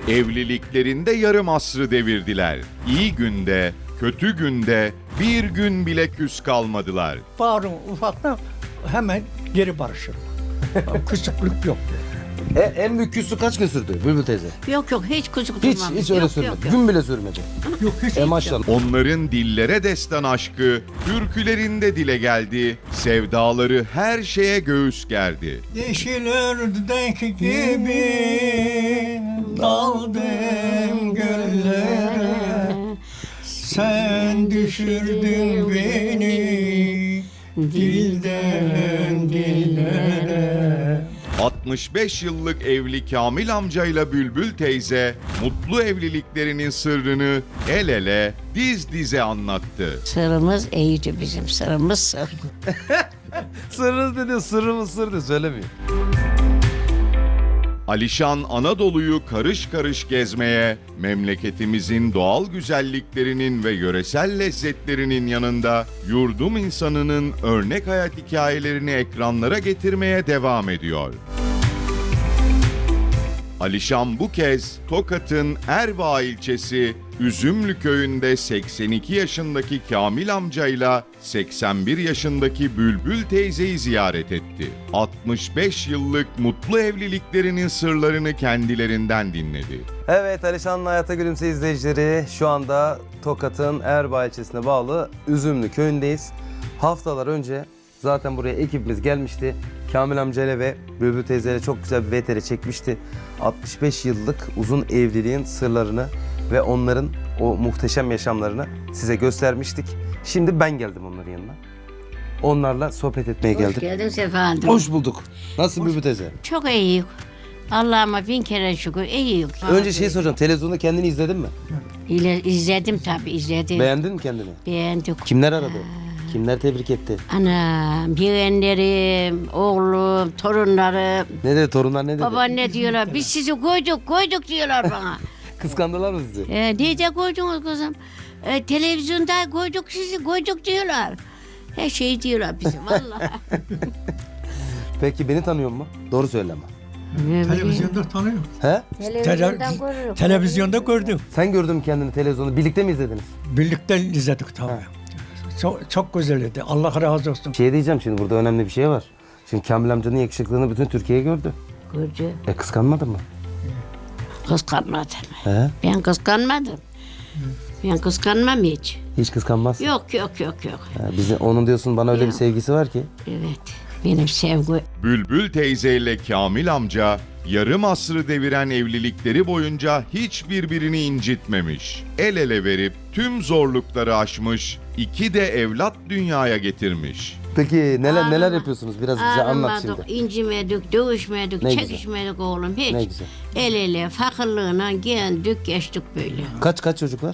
Evliliklerinde yarım asrı devirdiler. İyi günde, kötü günde bir gün bile küs kalmadılar. Bağırın ufaktan hemen geri barışır. Kısıklık yok. En büyük küslük kaç gün sürdü Bülbül teyze? Yok hiç kucuk Hiç durmam. hiç öyle sürmedi. Gün bile sürmedi. Yok hiç. Maşallah. Onların dillere destan aşkı, türkülerinde dile geldi, sevdaları her şeye göğüs gerdi. Yeşil ördek gibi daldım göllere. Sen düşürdün beni dilden dillere. 65 yıllık evli Kamil amcayla Bülbül teyze, mutlu evliliklerinin sırrını el ele, diz dize anlattı. Sırrımız iyice bizim sırrımız sır. Sırrınız dedi, sırrımız sırdı söylemiyor. Alişan Anadolu'yu karış karış gezmeye, memleketimizin doğal güzelliklerinin ve yöresel lezzetlerinin yanında yurdum insanının örnek hayat hikayelerini ekranlara getirmeye devam ediyor. Alişan bu kez Tokat'ın Erva ilçesi Üzümlü köyünde 82 yaşındaki Kamil amcayla 81 yaşındaki Bülbül teyzeyi ziyaret etti. 65 yıllık mutlu evliliklerinin sırlarını kendilerinden dinledi. Evet, Alişan'ın Hayata Gülümse izleyicileri, şu anda Tokat'ın Erbaa ilçesine bağlı Üzümlü köyündeyiz. Haftalar önce zaten buraya ekibimiz gelmişti. Kamil amcayla ve Bülbül teyzeyle çok güzel bir VTR çekmişti. 65 yıllık uzun evliliğin sırlarını ve onların o muhteşem yaşamlarını size göstermiştik. Şimdi ben geldim onların yanına. Onlarla sohbet etmeye Hoş geldim. geldin Sefa. Hoş bulduk. Nasılsın Bülbül teyze? Çok iyi. Allah'ıma bin kere şükür iyi. Önce şeyi soracağım. Televizyonda kendini izledin mi? İzledim tabii izledim. Beğendin mi kendini? Beğendik. Kimler aradı? Kimler tebrik etti? Anam, yeğenlerim, oğlum, torunlarım. Ne dedi torunlar ne dedi? Baba ne diyorlar? Biz sizi koyduk diyorlar bana. Kıskandılar mı sizi? Nerede koydunuz kızım? Televizyonda koyduk diyorlar. Her şeyi diyorlar bize vallahi. Peki beni tanıyor mu? Doğru söyle ama. Televizyonda tanıyorum. He? Televizyondan görürüm. Televizyonda gördüm. Sen gördün mü kendini televizyonda? Birlikte mi izlediniz? Birlikte izledik tabii. Çok güzeldi. Allah razı olsun. Bir şey diyeceğim şimdi, burada önemli bir şey var. Şimdi Kamil amcanın yakışıklılığını bütün Türkiye gördü. Gördü. Kıskanmadın mı? Kıskanmadım. He? Ben kıskanmadım. Ben kıskanmam hiç. Hiç kıskanmaz. Yok. Onun diyorsun bana öyle bir Yok. sevgisi var ki. Evet. Benim sevgi. Bülbül teyzeyle Kamil amca yarım asrı deviren evlilikleri boyunca hiç birbirini incitmemiş. El ele verip tüm zorlukları aşmış, iki de evlat dünyaya getirmiş. Peki neler Ağlama. yapıyorsunuz? Biraz bize anlat Ağlamadık, şimdi. incimedik, dövüşmedik, Ne güzel. çekişmedik oğlum hiç. Ne güzel. El ele fakirliğine geldik geçtik böyle. Kaç çocuklar?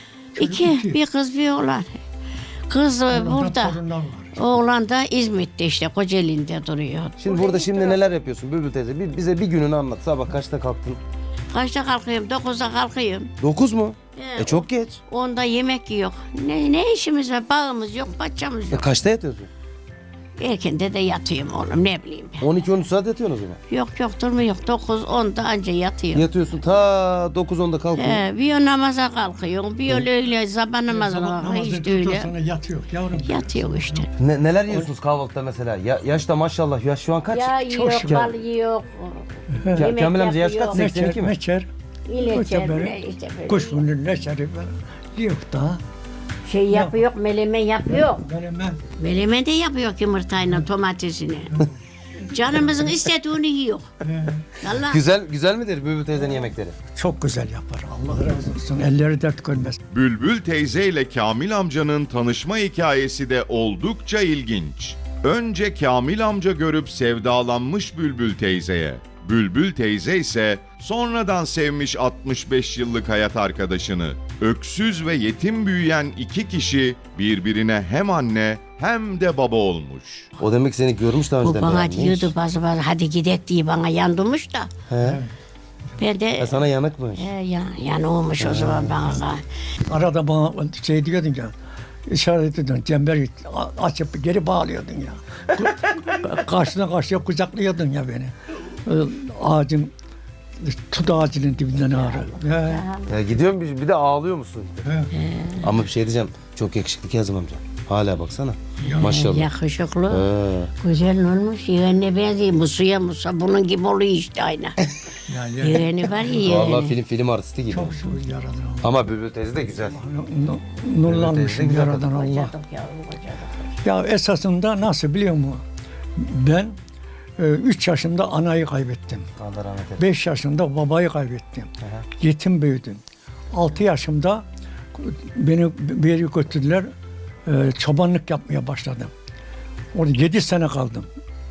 İki, bir kız bir oğlan. Kız burada. Torunlar var. Oğlan da İzmit'te işte Kocaeli'nde duruyor. Şimdi burada şimdi neler yapıyorsun Bülbül teyze? Bize bir gününü anlat. Sabah kaçta kalktın? Kaçta kalkıyorum? 9'da kalkıyorum. 9 mu? He, Çok geç. Onda yemek yok. Ne işimiz var? Bağımız yok, bahçemiz yok. Kaçta yatıyorsun? Erkende de yatıyorum oğlum ne bileyim ben. 12-13 saat yatıyorsun o zaman. Yok durmuyor. 9-10'da anca yatıyorum. Yatıyorsun ta 9-10'da kalkıyorsun. Bir o namaza kalkıyorum, bir öyle sabah namazına kalkıyor işte öyle. Sonra yatıyor yavrum. Yatıyor işte. Neler yiyorsunuz kahvaltıda mesela? Yaş da maşallah. Yaş şu an kaç? Ya yok, şükür. bal yok. Yemek Kamil amca yaş yapıyor. kaç? 82 mi? Meçer. İleçer böyle, bile işte böyle. Kuşbunun neçeri böyle. Yok daha. Şey yapıyor, melemen yapıyor. Menemen. Melemen de yapıyor yumurtayla domatesini. Canımızın istediğini yiyor. Allah. Güzel midir Bülbül teyzenin yemekleri? Çok güzel yapar. Allah razı olsun. Elleri dert görmez. Bülbül teyze ile Kamil amcanın tanışma hikayesi de oldukça ilginç. Önce Kamil amca görüp sevdalanmış Bülbül teyzeye. Bülbül teyze ise sonradan sevmiş 65 yıllık hayat arkadaşını. Öksüz ve yetim büyüyen iki kişi birbirine hem anne hem de baba olmuş. O demek seni görmüş daha Bu önceden. bana beğenmiş. diyordu bazı hadi gidek diye bana yandırmış da. He. Ben de Sana yanıkmış. yani olmuş o zaman bana. Arada bana şey diyordun ya. İşaret ediyordun. Cemberi açıp geri bağlıyordun ya. Karşıdan karşıya kucaklıyordun ya beni. Ağacın tut ağacının dibinden ağrı. Ya gidiyorum bir de ağlıyor musun? He. Ama bir şey diyeceğim. Çok yakışıklı Kazım amca. Hala baksana. Maşallah. Yakışıklı. He. Güzel olmuş. Yeğenine benziyor. Musa bunun gibi oluyor işte aynı. Yani Yeğeni var ya Vallahi yeğeni. film artisti gibi. çok şükür Yaradan. Ama Bülbül teyze de güzel. Nurlanmışım güzel Yaradan Allah. Kocadık yavrum, kocadık. Ya esasında nasıl biliyor musun? Ben 3 yaşımda anayı kaybettim. Allah rahmet eylesin. 5 yaşımda babayı kaybettim. Yetim büyüdüm. 6 yaşımda beni bir yere götürdüler. Çobanlık yapmaya başladım. Orada 7 sene kaldım.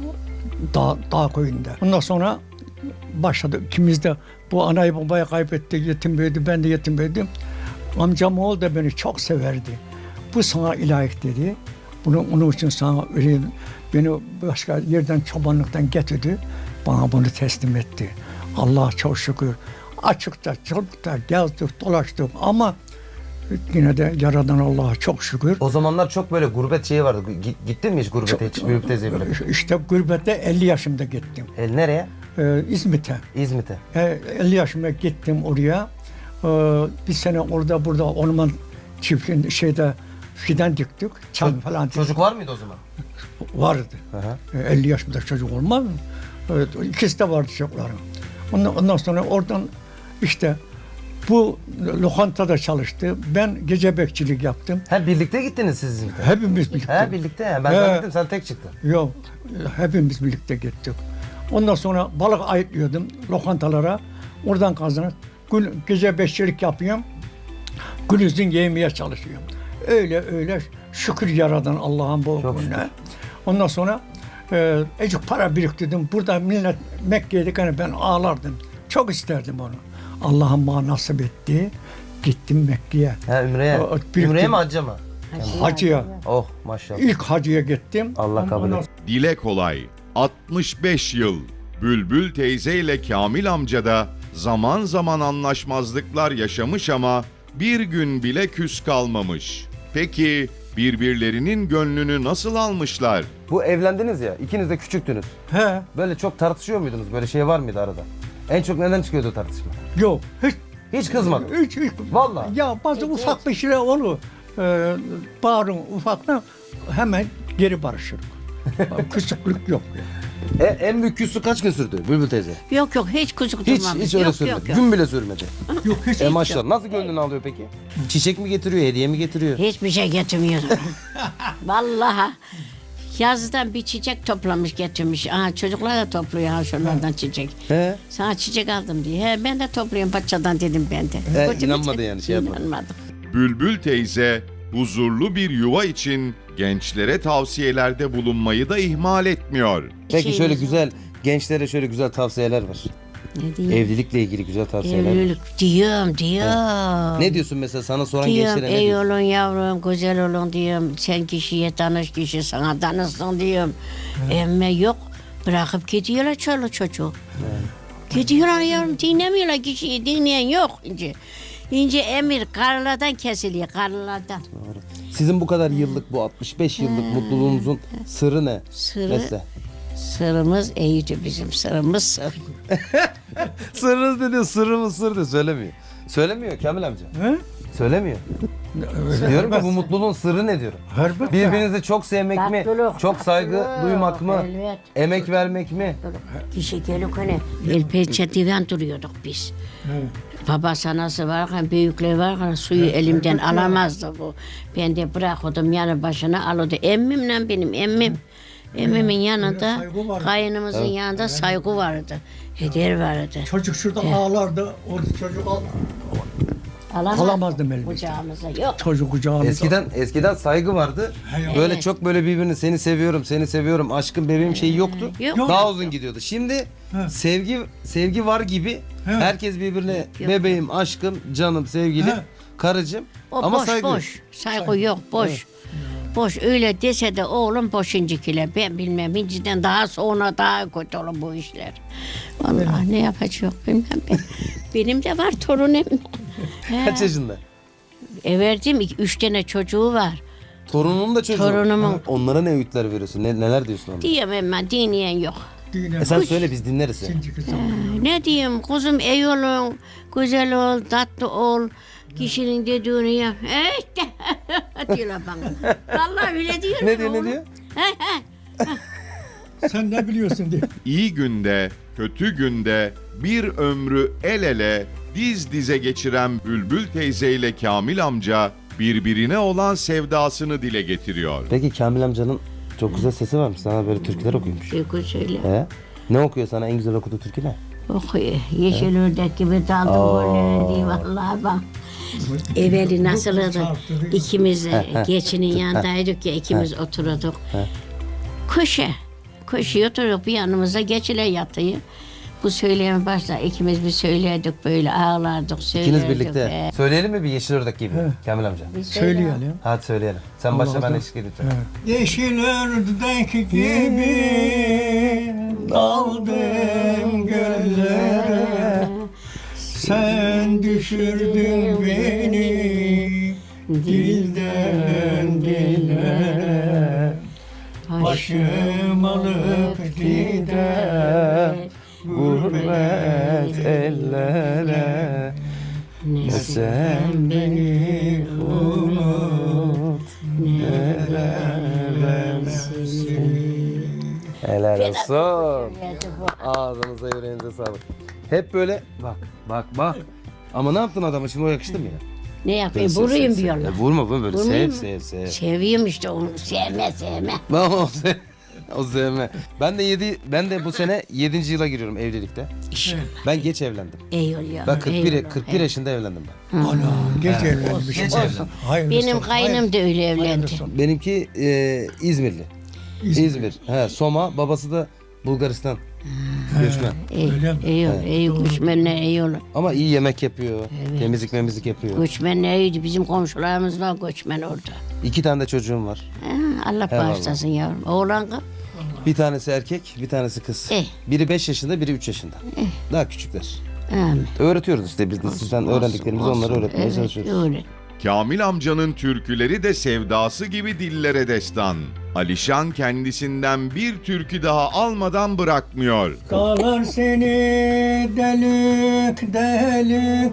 Dağ köyünde. Ondan sonra başladı. İkimiz de bu anayı babayı kaybettik. Yetim büyüdü. Ben de yetim büyüdüm. Amcam oğlu da beni çok severdi. Bu sana ilayık dedi. Onun için sana vereyim. Beni başka yerden çobanlıktan getirdi. Bana bunu teslim etti. Allah çok şükür. Açıkta, çocukta gezdik, dolaştık ama yine de Yaradan Allah'a çok şükür. O zamanlar çok böyle gurbet şeyi vardı. Gittin mi hiç gurbete hiç? Bülbül teyzeyi bırakıp. İşte gurbette 50 yaşımda gittim. Nereye? İzmit'e. İzmit'e. 50 yaşımda gittim oraya. Bir sene orada burada orman çiftliğinde şeyde fidan diktik. Çam falan diktik. Çocuk var mıydı o zaman? Vardı. Hı hı. 50 yaşında çocuk olmaz mı? Evet, ikisi de vardı çocuklarım. Ondan sonra oradan işte bu lokantada çalıştı. Ben gece bekçilik yaptım. Ha birlikte gittiniz siz İzmit'e. Hepimiz birlikte. Ha birlikte ya. Ben zannettim sen tek çıktın. Yok, hepimiz birlikte gittik. Ondan sonra balık ayıtlıyordum lokantalara. Oradan kazanıp gece bekçilik yapıyorum. Gündüzün yemeye çalışıyorum. Öyle şükür Yaradan Allah'ın bu Çok gününe. şükür. Ondan sonra ecik para biriktirdim. Burada millet Mekke'ydik hani ben ağlardım. Çok isterdim onu. Allah'ın bana nasip etti. Gittim Mekke'ye. Ha Ümre'ye. birlikte- Ümre'ye mi hacca mı? Hacıya. Oh maşallah. İlk hacıya gittim. Allah kabul Ondan etsin. Dile kolay. 65 yıl. Bülbül teyze ile Kamil amca da zaman zaman anlaşmazlıklar yaşamış ama bir gün bile küs kalmamış. Peki birbirlerinin gönlünü nasıl almışlar? Bu evlendiniz ya. İkiniz de küçüktünüz. He, Böyle çok tartışıyor muydunuz? Böyle şey var mıydı arada? En çok neden çıkıyordu tartışma? yok. Hiç kızmadım. Hiç. Vallahi. Ya bazı ufak bir şeyler olur. Bağırın ufaktan hemen geri barışırız. Küçüklük yok. En büyük küslük kaç gün sürdü Bülbül teyze? Yok hiç kuzuk Hiç durmamış. hiç öyle yok, sürmedi. yok, yok. Gün bile sürmedi. Yok hiç. Maşallah. Nasıl gönlünü alıyor peki? Çiçek mi getiriyor, hediye mi getiriyor? Hiçbir şey getirmiyorum. Vallahi yazdan bir çiçek toplamış getirmiş. Aha, çocuklar da topluyor ha şunlardan çiçek. He. Sana çiçek aldım diye. He, ben de topluyorum paçadan dedim ben de. Götürmeyecek- inanmadı yani, şey yapmadı. İnanmadım. Bülbül teyze huzurlu bir yuva için gençlere tavsiyelerde bulunmayı da ihmal etmiyor. Peki Şeyimiz şöyle var. güzel, gençlere şöyle güzel tavsiyeler var. Ne diyeyim? Evlilikle ilgili güzel tavsiyeler var. Evlilik diyorum. Ne diyorsun mesela sana soran Diyorum gençlere ne ey diyorsun? olun yavrum güzel olun diyorum. Sen kişiye tanış kişi sana tanışsın diyorum. Emme yok bırakıp gidiyorlar çoluk çocuğu. Gidiyorlar yavrum dinlemiyorlar kişiyi dinleyen yok ince. İnce emir karılardan kesiliyor karılardan. Sizin bu kadar yıllık, bu 65 yıllık mutluluğunuzun sırrı ne? Sırrı- Mesela. Sırrımız iyiydi bizim sırrımız sır. Sırrınız ne diyor? Sırrımız sır diyor. Söylemiyor. Söylemiyor Kamil amca. He? Söylemiyor. Diyorum ki bu mutluluğun sırrı ne diyorum. Elbette. Birbirinizi çok sevmek mi? Tatlılık, Çok saygı tatlılık, duymak mı? evet. Emek vermek mi? Kişi gelip hani el pençetinden duruyorduk biz. Babası anası varken büyükler varken suyu elimden alamazdı bu. Ben de bırakıyordum yanı başına alıyordu. Emmimle benim emmim. Emmimin yanında saygı vardı. kayınımızın yanında saygı vardı. Heder vardı. Çocuk şurada ağlardı. Orada çocuk alamazdım elbette. Kucağımıza yok. Çocuk kucağımda. Eskiden saygı vardı. Böyle Evet. çok böyle birbirini seni seviyorum, seni seviyorum, aşkım bebeğim şeyi yoktu. Yok. Daha uzun gidiyordu. Şimdi sevgi var gibi. Herkes birbirine Yok. bebeğim, aşkım, canım, sevgilim, He. karıcığım. O Ama boş saygı. boş. Saygı yok boş. Boş öyle dese de oğlum boşuncukile ben bilmem inciden daha sonra daha kötü olur bu işler. Vallahi ne yapacak bilmem ben. Benim de var torunum. Kaç yaşında? Verdim 3 tane çocuğu var. Torunun da çocuğu. Torunumun. Onlara ne öğütler veriyorsun? Neler diyorsun onlara? Diyemem ben dinleyen yok. Düğüne Sen söyle biz dinleriz ya. şimdiki zaman. Ne diyeyim kuzum iyi olun, güzel ol, tatlı ol. Kişinin dediğini yap. İşte diyorlar bana. Vallahi öyle diyorlar. Ne diyor ne oğlum. diyor? He he. Sen ne biliyorsun diye. İyi günde, kötü günde bir ömrü el ele, diz dize geçiren Bülbül teyze ile Kamil amca birbirine olan sevdasını dile getiriyor. Peki Kamil amcanın çok güzel sesi varmış. Sana böyle türküler okuyormuş. Türkü söyle. He? Ne okuyor sana en güzel okuduğu türkü ne? Okuyor. Yeşil ördek gibi daldım gollerin diye vallahi bak. Evveli nasıldı? İkimiz geçinin yanındaydık ya ikimiz oturuyorduk. Köşeye oturup bir yanımıza geçile yatıyor. Bu söyleyeme başla ikimiz bir söylerdik böyle ağlardık söylerdik. İkiniz birlikte. Söyleyelim mi bir Yeşil Ördek gibi Kamil amca? Söyleyelim. Hadi söyleyelim. Sen başla ben eşlik edeceğim. Yeşil ördek gibi daldım göllere. Sen düşürdün beni dilden dile. Başım alıp gider gurbet ellere. Ne sen beni unut Helal olsun. Ağzınıza yüreğinize sağlık. Hep böyle bak. Ama ne yaptın adama şimdi o yakıştı mı ya? Ne yapayım vurayım diyorlar. Vurma böyle Vurmayayım sev. mı? Seviyorum işte onu sevme. O sevme. Ben de bu sene 7. yıla giriyorum evlilikte. İnşallah. Ben geç evlendim. Eyvallah. Ben 41 eyvallah. yaşında evlendim ben. Ana geç evlenmiş. Geç evlendim. Benim kaynım da öyle evlendi. Benimki İzmirli. İzmir. He, Soma, babası da Bulgaristan göçmen. Öyle mi? İyi göçmenler iyi olur. Ama iyi yemek yapıyor. Temizlik yapıyor. Göçmenler iyiydi. Bizim komşularımız var göçmen orada. 2 tane de çocuğum var. Allah bağışlasın yavrum. Oğlan kız. Bir tanesi erkek, bir tanesi kız. Biri 5 yaşında, biri 3 yaşında. Daha küçükler. Amin. Öğretiyoruz işte biz de sizden öğrendiklerimizi onlara öğretmeye çalışıyoruz. Öyle. Kamil amcanın türküleri de sevdası gibi dillere destan. Alişan kendisinden bir türkü daha almadan bırakmıyor. Dağlar seni delik delik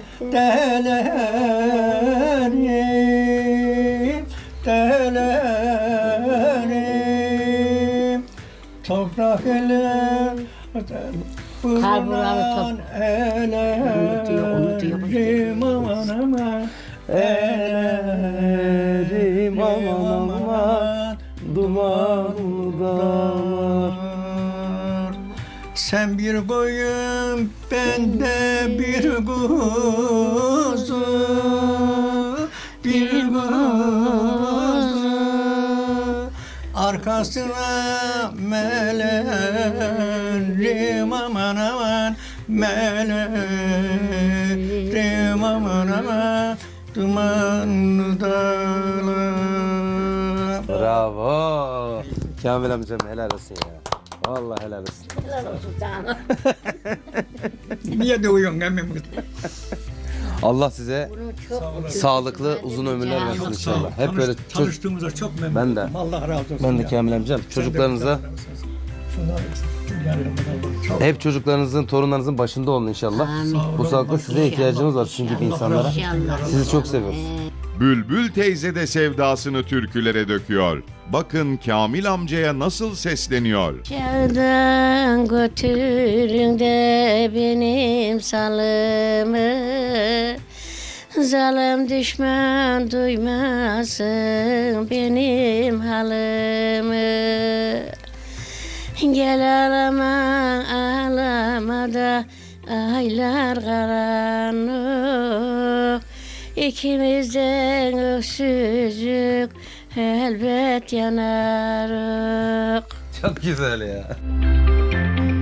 delerim toprak ele Kalburalı elerim aman aman elerim aman aman dumanlı dağlar. Sen bir koyun, ben de bir kuzu, bir kuzu. Arkasına melerim aman aman, melerim aman aman, dumanlı dağlar. Bravo. Kamil amcam helal olsun ya. Vallahi helal olsun. Niye dövüyorsun emmim? Allah size sağlıklı uzun ömürler versin inşallah. Hep böyle Tanıştığımıza çok memnun Ben de. oldum. Allah razı olsun. ben de ya. Kamil amcam çocuklarınıza hep çocuklarınızın, torunlarınızın başında olun inşallah. Bu sağlıkta size ihtiyacımız var sizin gibi insanlara. İnşallah. Sizi çok seviyoruz. Bülbül teyze de sevdasını türkülere döküyor. Bakın Kamil amcaya nasıl sesleniyor. Çağdan götürün de benim salımı. Zalim düşman duymasın benim halımı. Gel ağlama da aylar karanlık. İkimizden öksüzlük elbet yanarık. Çok güzel ya.